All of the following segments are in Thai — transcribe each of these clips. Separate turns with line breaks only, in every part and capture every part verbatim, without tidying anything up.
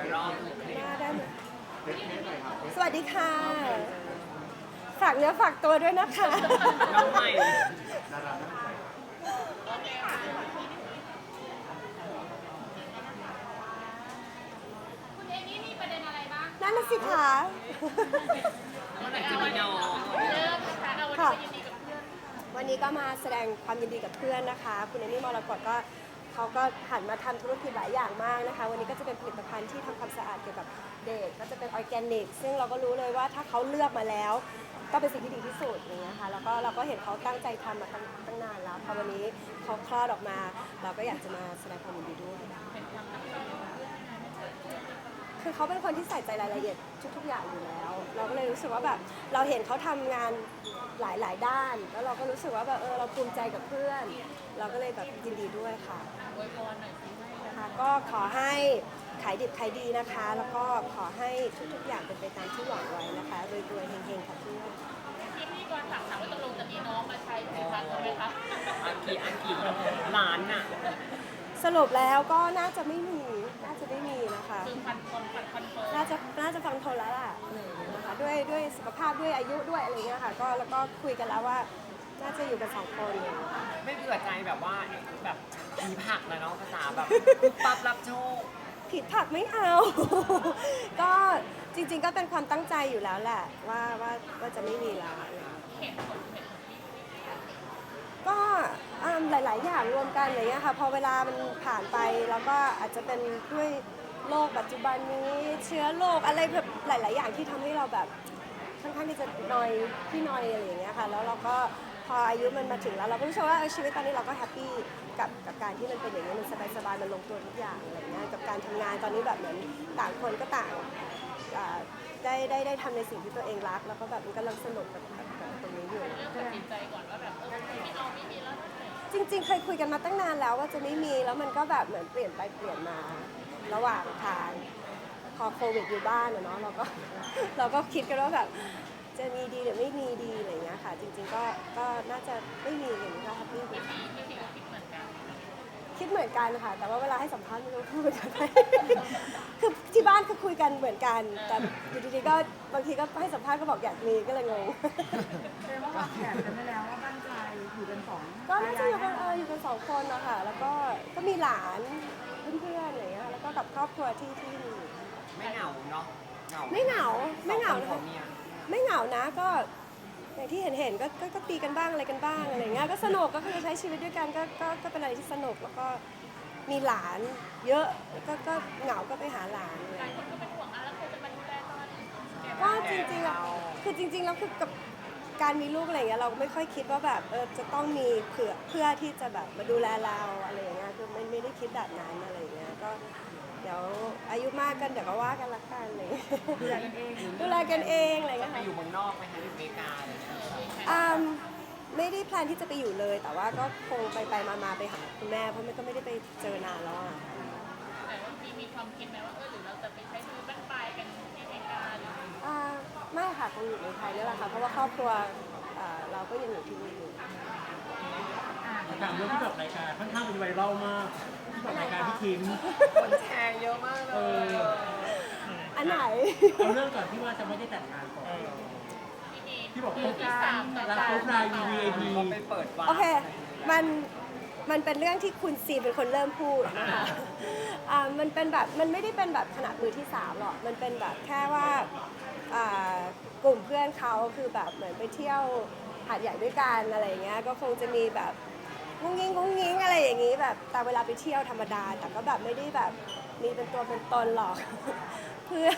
รอบ
หน้าได้ไหมสวัสดีค่ะฝากเนื้อฝากตัวด้วยนะคะ
น้องใหม่
คุณเอมี่มีประเด็นอะไรบ้าง
นั่นน่ะสิคะ
เมื่อไหร่จะมีน้อง
เริ่มนะคะเอาวันนี้ไปยินดีกับเพื่อน
วันนี้ก็มาแสดงความยินดีกับเพื่อนนะคะ คุณเอมี่มรกตก็เขาก็หันมาทำธุรกิจหลายอย่างมากนะคะ วันนี้ก็จะเป็นผลิตภัณฑ์ที่ทำความสะอาดเกี่ยวกับเด็กก็จะเป็นออร์แกนิกซึ่งเราก็รู้เลยว่าถ้าเขาเลือกมาแล้ว ก็เป็นสิ่งที่ดีที่สุดอย่างเงี้ยค่ะแล้วก็เราก็เห็นเขาตั้งใจทำมาตั้งตั้งนานแล้วพอวันนี้เขาคลอดออกมา เราก็อยากจะมาแสดงความยินดีด้วยคือเขาเป็นคนที่ใส่ใจรายละเอียดทุกๆอย่างอยู่แล้ว เราก็เลยรู้สึกว่าแบบเราเห็นเขาทำงานหลายหลายด้าน แล้วเราก็รู้สึกว่าแบบเออเราภูมิใจกับเพื่อน เราก็เลยแบบยินดีด้วยค่ะ
อวยพรหน่อยสิ
นะคะก็ขอให้ขายดิบขายดีนะคะ แล้วก็ขอให้ทุกๆอย่างเป็นไปตามที่หวังไว้นะคะรวยๆเฮงๆค่ะเพื่อน
พี่พี่ก่อนถามถามว่าตกลงจะมีน้องมาใช้ผลิตภัณฑ์ไหมคะ
อันกี่อันกี่ล้านน่ะ
สรุปแล้วก็น่าจะไม่มี น่าจะไม่มีนะคะ
คือพันคนพันคอนเฟิร์ม
น่าจะน่าจะฟังทนแล้วล่ะนะคะด้วยด้วยสุขภาพด้วยอายุด้วยอะไรเงี้ยค่ะก็แล้วก็คุยกันแล้วว่าน่าจะอยู่กันสองคนเลย
ไม่เบื่อใจแบบว่าแบบมีผักนะเนาะภาษาแบบปั๊บรับโชค
ผิดผักไม่เอา ก็จริงๆก็เป็นความตั้งใจอยู่แล้วแหละว่าว่าว่าจะไม่มีแล้ว
เห็นผลเห็นผลที่
ก็อืมหลายๆอย่างรวมกันอะไรเงี้ยค่ะพอเวลามันผ่านไปแล้วก็อาจจะเป็นด้วยโลกปัจจุบันนี้เชื้อโรคอะไรแบบหลาย ๆ อย่างที่ทำให้เราแบบค่อนข้างที่จะนอยที่นอยอะไรอย่างเงี้ยค่ะแล้วเราก็พออายุมันมาถึงแล้วเราก็รู้สึกว่าเออชีวิตตอนนี้เราก็แฮปปี้กับกับการที่มันเป็นอย่างนี้ยมันสบายๆมันลงตัวทุกอย่างอะไรเงี้ยกับการทำงานตอนนี้แบบเหมือนต่างคนก็ต่างอ่าได้ได้ได้ทำในสิ่งที่ตัวเองรักแล้วก็แบบมันกำลังสนุกกับกับกับตรงนี้อยู่
เริ่มตัดสินใจก่อนว่าแบบเออไม่เอาไม่มีแล้วนะ
จริงๆ เคยคุยกันมาตั้งนานแล้วว่าจะไม่มีแล้วมันก็แบบเหมือนเปลี่ยนไปเปลี่ยนมาระหว่างทางพอโควิดอยู่บ้านอะเนาะเราก็ เราก็คิดกันว่าแบบจะมีดีหรือไม่มีดีอะไรอย่างเงี้ยค่ะ จริงๆก็ก็น่าจะไม่มีอย่างนี้ก็แฮปปี้ดี
พี่พี่พี่ก็คิดเหมือนกัน
คิดเหมือนกันค่ะ แต่ว่าเวลาให้สัมภาษณ์ไม่รู้พูดเหมือนกันไหม คือที่บ้านก็คุยกันเหมือนกัน แต่อยู่ดีๆก็บางทีก็ให้สัมภาษณ์ก็บอกอยากมีก็เลยงง
แสดงว่าวางแผนกันไว้แล้วว่าบ้านปลายอยู่กันสอง
ก็น่าจะอยู่กันเอออยู่กันสองคนนะคะแล้วก็ก็มีหลานเพื่อนๆอะไรอย่างเงี้ยแล้วก็กับครอบครัวที่ที่มี
ไม่เหงาเนาะเหงา
ไม่เหงาไม่เหงา
สอ
นะ
ค
คะ
เมีย
ไม่เหงานะก็อย่างที่เห็นเห็นๆก็ก็ก็ตีกันบ้างอะไรกันบ้างอะไรเงี้ยก็สนุกก็คือใช้ชีวิตด้วยกันก็ก็ก็เป็นอะไรที่สนุกแล้วก็มีหลานเยอะก็ก็เหงาก็ไปหาหลานอะไร
หลาย
เงี้ย
คนก็เป็นห่วงอ่ะแล้วใครจะมาดูแลตอนแก่
ก็จริงๆแล้วคือจริงๆแล้วคือกับการมีลูกอะไรเงี้ยเราไม่ค่อยคิดว่าแบบเออจะต้องมีเผื่อเพื่อที่จะแบบมาดูแลเราอะไรอย่างเงี้ยคือไม่ไม่ได้คิดแบบนั้นอะไรอย่างเงี้ยก็เดี๋ยวอายุมากกันเดี๋ยวก็ว่ากันละกันอะไรเลย
ดูแลกันเอง
ดูแลกันเองอะไร
จะ
เงี้ย
ไป
ค่ะ
อยู่เมืองนอกไหมคะอยู่อเมริกาอะไรอย่างเงี้ย
อืมไม่ได้แพลนที่จะไปอยู่เลย แต่ว่าก็คงไปไปมามาไปหาคุณแม่เพราะมันก็ไม่ได้ไปเจอนานแล้วอ่ะ
แต่ว่าพี่มีความคิดไหมว่าเออหรือเราจะไปใช้ชีวิตบ้านปลายกันที่อเมริกาหรือ
อ่าไม่ค่ะคงอยู่ในไทยนี่แหละค่ะเพราะว่าครอบครัวอ่าเราก็ยังอยู่ที่นี่อยู่
ถามเรื่องที่แบบรายการค่อนข้างเป็นไวรัลมากที่แบบรายการพี่คิม
คนแชร์เยอะมากเล
เอย อ
อันไหน
เอาเรื่องก่อนที่ว่าจะไม่ได้แต่งงานก่อน
ที่มี
ที่บอก
มือที่สามต่อ
รัก
สา
คร
ม
บราย วี ไอ พี
ก็ไปเปิดวาร์ป
โอเค มัน มันเป็นเรื่องที่คุณซีเป็นคนเริ่มพูดนะคะอ่ามันเป็นแบบ มันไม่ได้เป็นแบบขนาดมือที่สามหรอก มันเป็นแบบแค่ว่าอ่ากลุ่มเพื่อนเขาคือแบบเหมือนไปเที่ยวหาดใหญ่ด้วยกันอะไรอย่างเงี้ย ก็คงจะมีแบบงุ้งงิ้งงุ้งงิ้งอะไรอย่างงี้แบบแต่เวลาไปเที่ยวธรรมดา แต่ก็แบบไม่ได้แบบมีเป็นตัวเป็นตนหรอก เพื่อน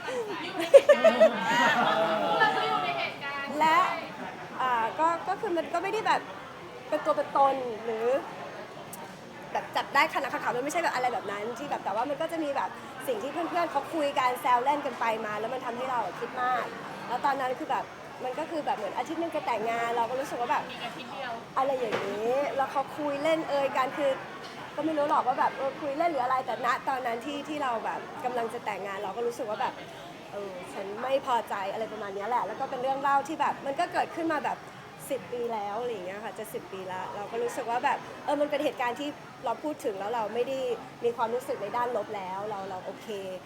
เราก็อยู่ในเหตุการณ์
และอ่าก็ก็คือมันก็ไม่ได้แบบเป็นตัวเป็นตนหรือแบบจับได้ขนาดขาวๆมันไม่ใช่แบบอะไรแบบนั้นที่แบบแต่ว่ามันก็จะมีแบบสิ่งที่เพื่อนๆเขาคุยกันแซวเล่นกันไปมา แล้วมันทำให้เราคิดมาก แล้วตอนนั้นคือแบบมันก็คือแบบเหมือนอาทิตย์นึงจะแต่งงานเราก็รู้สึกว่าแบบ
มีอาทิตย์เดียว
อะไรอย่างนี้แล้วเขาคุยเล่นเอ่ยกันคือก็ไม่รู้หรอกว่าแบบเออคุยเล่นหรืออะไรแต่ณตอนนั้นที่ที่เราแบบกำลังจะแต่งงานเราก็รู้สึกว่าแบบเออฉันไม่พอใจอะไรประมาณนี้แหละแล้วก็เป็นเรื่องเล่าที่แบบมันก็เกิดขึ้นมาแบบสิบปีแล้วอะไรอย่างเงี้ยค่ะจะสิบปีแล้วเราก็รู้สึกว่าแบบเออมันเป็นเหตุการณ์ที่เราพูดถึงแล้วเราไม่ได้มีความรู้สึกในด้านลบแล้วเราเราโอเค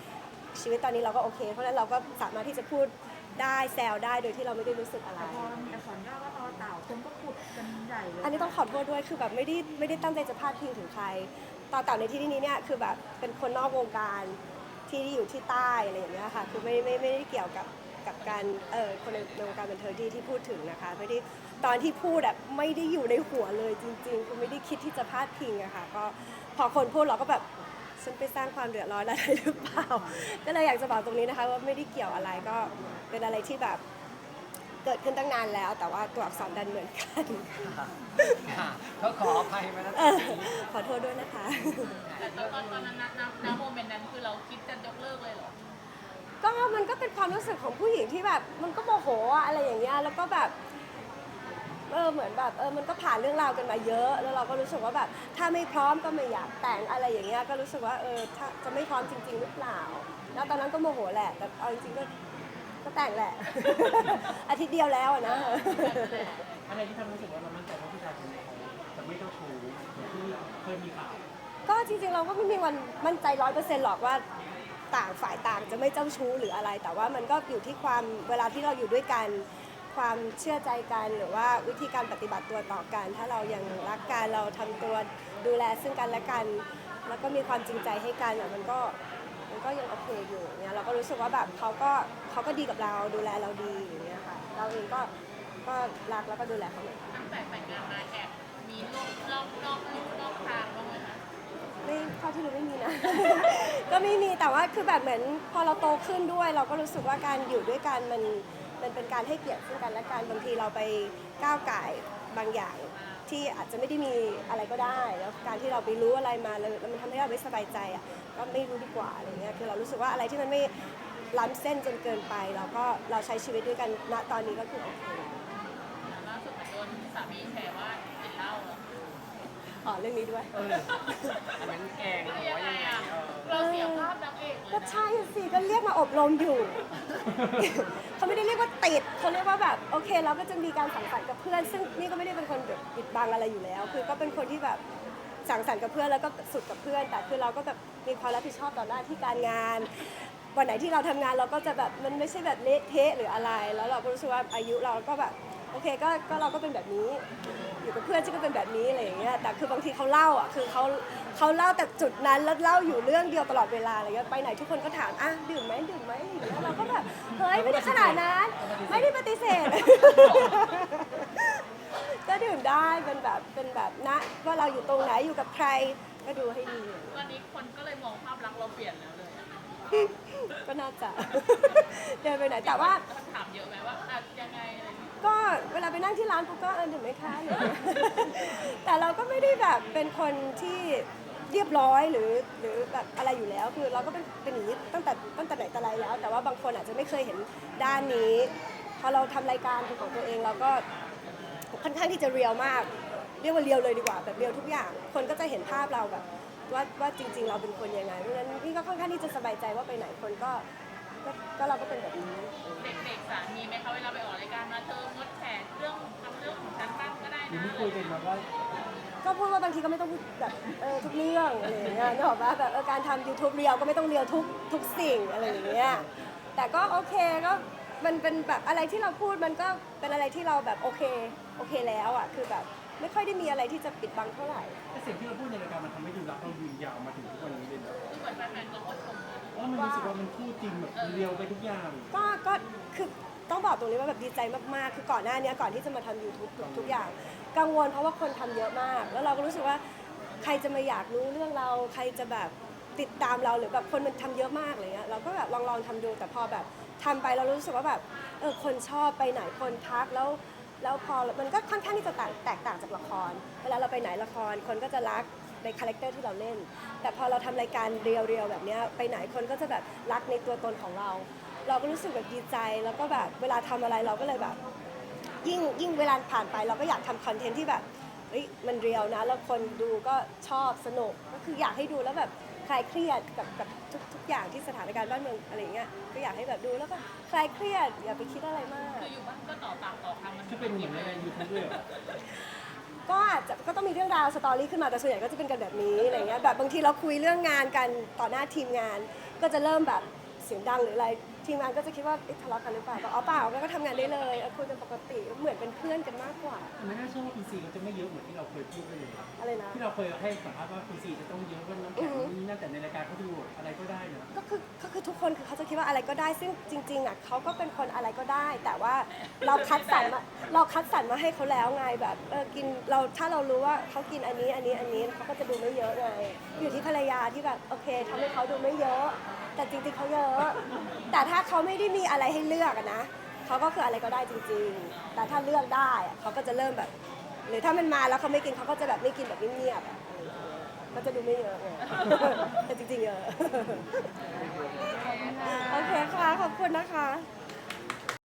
ชีวิตตอนนี้เราก็โอเค เพราะฉะนั้นเราก็สามารถที่จะพูดได้แซวได้โดยที่เราไม่ได้รู้สึกอะไร
แต่พอมีอักษรย่อว่าต่อเต่าคนก็ขุดกันใหญ่เลย
อันนี้ต้องขอโทษด้วยคือแบบไม่ได้ไม่ได้ตั้งใจจะพาดพิงถึงใครต่อเต่าในที่นี้เนี่ยคือแบบเป็นคนนอกวงการที่อยู่ที่ใต้อะไรอย่างเงี้ยค่ะคือไม่ไม่ไม่ได้เกี่ยวกับกับการเออคนในในวงการบันเทิงที่ที่พูดถึงนะคะไม่ได้ตอนที่พูดแบบไม่ได้อยู่ในหัวเลยจริงๆคือไม่ได้คิดที่จะพาดพิงอะค่ะก็พอคนพูดเราก็แบบฉันไปสร้างความเดือดร้อนอะไรหรือเปล่า ก็เลยอยากจะบอกตรงนี้นะคะว่าไม่ได้เกี่ยวอะไรก็เป็นอะไรที่แบบเกิดขึ้นตั้งนานแล้ว แต่ว่าตัวอักษรดันเหมือนกัน
ค่ะก็ขออภัยมานะ
เออขอโทษด้วยนะคะ
แต่ตอนตอนตอนนั้นนะนะณโมเมนต์นั้นคือเราคิดจะยกเลิกเลยเหรอ
ก็มันก็เป็นความรู้สึกของผู้หญิงที่แบบมันก็โมโหอะอะไรอย่างเงี้ยแล้วก็แบบเออเหมือนแบบเออมันก็ผ่านเรื่องราวกันมาเยอะ แล้วเราก็รู้สึกว่าแบบถ้าไม่พร้อมก็ไม่อยากแต่งอะไรอย่างเงี้ยก็รู้สึกว่าเออถ้าจะไม่พร้อมจริง ๆ หรือเปล่า แล้วตอนนั้นก็โมโหแหละแต่เอาจริงๆก็ก็แต่งแหละ อาทิตย์เดียวแล้วอะนะ
อะไรที่ทำให้รู้สึกว่าเรามั่นใจว่าผู้ชายคนนี้เขาจะไม่เจ้าชู้เหมือนที่เคยมีข่าว
ก็จริงๆเราก็ไม่มีวันมั่นใจร้อยเปอร์เซ็นต์หรอกว่าต่างฝ่ายต่างจะไม่เจ้าชู้หรืออะไร แต่ว่ามันก็อยู่ที่ความเวลาที่เราอยู่ด้วยกันความเชื่อใจกันหรือว่าวิธีการปฏิบัติตัวต่อกัน ถ้าเรายังรักกันเราทำตัวดูแลซึ่งกันและกัน แล้วก็มีความจริงใจให้กันอะมันก็มันก็ยังโอเคอยู่เนี่ยเราก็รู้สึกว่าแบบเขาก็เขาก็ดีกับเราดูแลเราดีอย่างเงี้ยค่ะเราเองก็ก็รักแล้วก็ดูแลเขาเหมือนกัน
ตั้งแต่แต่งงานมาแอบมีลูกนอกนอกลูกนอกทางบ้างไหมคะ
ไม่เท่าที่รู้ไม่มีนะ ก็ไม่มีแต่ว่าคือแบบเหมือนพอเราโตขึ้นด้วย เราก็รู้สึกว่าการอยู่ด้วยกันมันมันเป็นการให้เกียรติซึ่งกันและกันบางทีเราไปก้าวไก่ายบางอย่างที่อาจจะไม่ได้มีอะไรก็ได้ แล้วการที่เราไปรู้อะไรมาแล้วแล้วมันทำให้เราไม่สบายใจอ่ะก็ไม่รู้ดีกว่าอะไรเงี้ยคือเรารู้สึกว่าอะไรที่มันไม่ล้ำเส้นจนเกินไปเราก็เราใช้ชีวิตด้วยกันณตอนนี้ก็คือโอเค
ล่าสุดเหมือนโดนสามีแฉว่ากินเหล้าเหรอ
อ๋อเรื่องนี้ด้วย
เอออันนั้นแกงหรือ
ยัง
ว่า
ไง
ยังไง
อ่ะ
เออ
เราเสียภาพนางเอกเลย
ก็
นะ
ใช่สิก็เรียกมาอบรมอยู่ เขาไม่ได้เรียกว่าติดเขาเรียกว่าแบบโอเคเราก็จะมีการสังสรรค์กับเพื่อน ซึ่งนี่ก็ไม่ได้เป็นคนแบบปิดบังอะไรอยู่แล้ว คือก็เป็นคนที่แบบสังสรรค์กับเพื่อนแล้วก็สุดกับเพื่อน แต่คือเราก็แบบมีความรับผิดชอบต่อหน้าที่การงาน วันไหนที่เราทำงานเราก็จะแบบมันไม่ใช่แบบเละเทะหรืออะไร แล้วเราก็รู้สึกว่าอายุเราก็แบบโอเคก็ก็เราก็เป็นแบบนี้ อยู่กับเพื่อนฉันก็เป็นแบบนี้อะไรอย่างเงี้ย แต่คือบางทีเขาเล่าอ่ะ คือเขาเขาเล่าแต่จุดนั้นแล้วเล่าอยู่เรื่องเดียวตลอดเวลาอะไรเงี้ย ไปไหนทุกคนก็ถามอ่ะดื่มไหมดื่มไหมอย่างเงี้ยเราก็แบบเฮ้ยไม่ได้ขนาดนั้น ไม่ได้ปฏิเสธ ก็ดื่มได้เป็นแบบเป็นแบบนะว่าเราอยู่ตรงไหนอยู่กับใครก็ดูให้ดี
ตอนนี้คนก็เลยมองภาพลักษณ์เราเปลี่ยนแล้วเลยอะ
ก็น่าจะ เดินไปไหนแต่ว่า
คำถามเยอะไหมว่าอ่ะยังไงอะไรอย่างเงี้ย
ก็เวลาไปนั่งที่ร้านปุ๊บก็เออดื่มไหมคะอะไรอย่างเงี้ย แต่เราก็ไม่ได้แบบเป็นคนที่เรียบร้อยหรือหรือแบบอะไรอยู่แล้วคือเราก็เป็นเป็นอย่างนี้ตั้งแต่ตั้งแต่ไหนแต่ไรแล้ว แต่ว่าบางคนอาจจะไม่เคยเห็นด้านนี้พอเราทำรายการเป็นของตัวเองเราก็ค่อนข้างที่จะเรียลมาก เรียกว่าเรียลเลยดีกว่าแบบเรียลทุกอย่าง คนก็จะเห็นภาพเราแบบว่าว่าจริง ๆ เราเป็นคนยังไงเพราะฉะนั้นนี่ก็ค่อนข้างที่จะสบายใจว่าไปไหนคนก็ก็ก็เราก็เป็นแบบนี้
เด็กๆสามีไหมคะเวลาไปออกรายการมาเธองดแฉเรื่องทำเรื่องของฉันบ้างก็ได้
หรือ
นะ
ไม่คุยกันมาว่า
ก็พูดว่าบางทีก็ไม่ต้องพูดแบบเออทุกเรื่องอะไรอย่างเงี้ยนึกออกปะแบบเออการทำ YouTube เรียวก็ไม่ต้องเรียวทุกทุกสิ่งอะไรอย่างเงี้ยแต่ก็โอเคก็มันเป็นแบบอะไรที่เราพูดมันก็เป็นอะไรที่เราแบบโอเคโอเคแล้วอ่ะคือแบบไม่ค่อยได้มีอะไรที่จะปิดบังเท่าไหร่
แต่สิ่งที่เราพูดในรายการมันทำให้ดูรักเรายืนยาวมาถึงทุกวันนี้เลยนะ
คือเหมือนแฟนๆก็ก็ชมนะ
เพราะมันรู้สึกว่ามันคู่จริงแบบเรียวไปทุกอย่าง
ก็ก็คือต้องบอกตรงนี้ว่าแบบดีใจมากๆ คือก่อนหน้านี้ก่อนที่จะมาทำ YouTube ทุกอย่าง กังวลเพราะว่าคนทำเยอะมาก แล้วเราก็รู้สึกว่าใครจะมาอยากรู้เรื่องเรา ใครจะแบบติดตามเราหรือแบบคนมันทำเยอะมากอะไรเงี้ยเราก็แบบลองลองทำดูแต่พอแบบทำไปเรารู้สึกว่าแบบเออคนชอบไปไหนคนทักแล้วแล้วพอมันก็ค่อนข้างที่จะต่างแตกต่างจากละคร เวลาเราไปไหนละครคนก็จะรักในคาแรคเตอร์ที่เราเล่น แต่พอเราทำรายการเรียวๆแบบเนี้ยไปไหนคนก็จะแบบรักในตัวตนของเรา เราก็รู้สึกแบบดีใจแล้วก็แบบเวลาทำอะไรเราก็เลยแบบ ยิ่งยิ่งเวลาผ่านไปเราก็อยากทำคอนเทนต์ที่แบบเฮ้ยมันเรียวนะแล้วคนดูก็ชอบสนุกก็คืออยากให้ดูแล้วแบบคลายเครียดกับกับทุกทุกอย่างที่สถานการณ์บ้านเมืองอะไรอย่างเงี้ยก็อยากให้แบบดูแล้วก็คลายเครียดอย่าไปคิดอะไรมาก
คืออยู่บ้านก็ต่อปากต่อคำมัน
ที่เป็นเหมือนในยูทูบด้วยเหรอ
ก็อาจจะก็ต้องมีเรื่องราวสตอรี่ขึ้นมาแต่ส่วนใหญ่ก็จะเป็นกันแบบนี้อะไรเงี้ยแบบบางทีเราคุยเรื่องงานกันต่อหน้าทีมงาน ก็จะเริ่มแบบแซสียงดังหรืออะไรทีมงานก็จะคิดว่าเอ๊ะทะเลาะกันหรือเปล่าก็อ๋อเปล่าก็ทำงานได้เลยเออคุยกันปกติเหมือนเป็นเพื่อนกันมากกว่า
แต่ไม่น่าเชื่อว่าคุณซีเขาจะไม่เยอะเหมือนที่เราเคยพูดเลย
อะไรนะ
ที่เราเคยให้สัมภาษณ์ว่าคุณซีจะต้องเยอะว่าน้ำแข็งนี่นั่นแต่ในรายการเขาดูอะไรก็ได้เนอะ
ก็คือก็คือทุกคนคือเขาจะคิดว่าอะไรก็ได้ซึ่งจริงๆอ่ะเขาก็เป็นคนอะไรก็ได้ แต่ว่าเราคัดสรรมาเราคัดสรรมาให้เขาแล้วไงแบบเออกินเราถ้าเรารู้ว่าเขากินอันนี้อันนี้อันนี้เขาก็จะดูไม่เยอะไงอยู่ที่ภรรยาที่แบบโอเคทำให้เขาดูไม่เยอะ แต่จริงๆเขาเยอะ แต่ถ้าเขาไม่ได้มีอะไรให้เลือกอะนะเขาก็คืออะไรก็ได้จริงๆ แต่ถ้าเลือกได้อะเขาก็จะเริ่มแบบ หรือถ้ามันมาแล้วเขาไม่กินเขาก็จะแบบไม่กินแบบเงียบๆอะก็จะดูไม่เยอะไง แต่จริงๆเยอะ โอเคค่ะ ขอบคุณนะคะ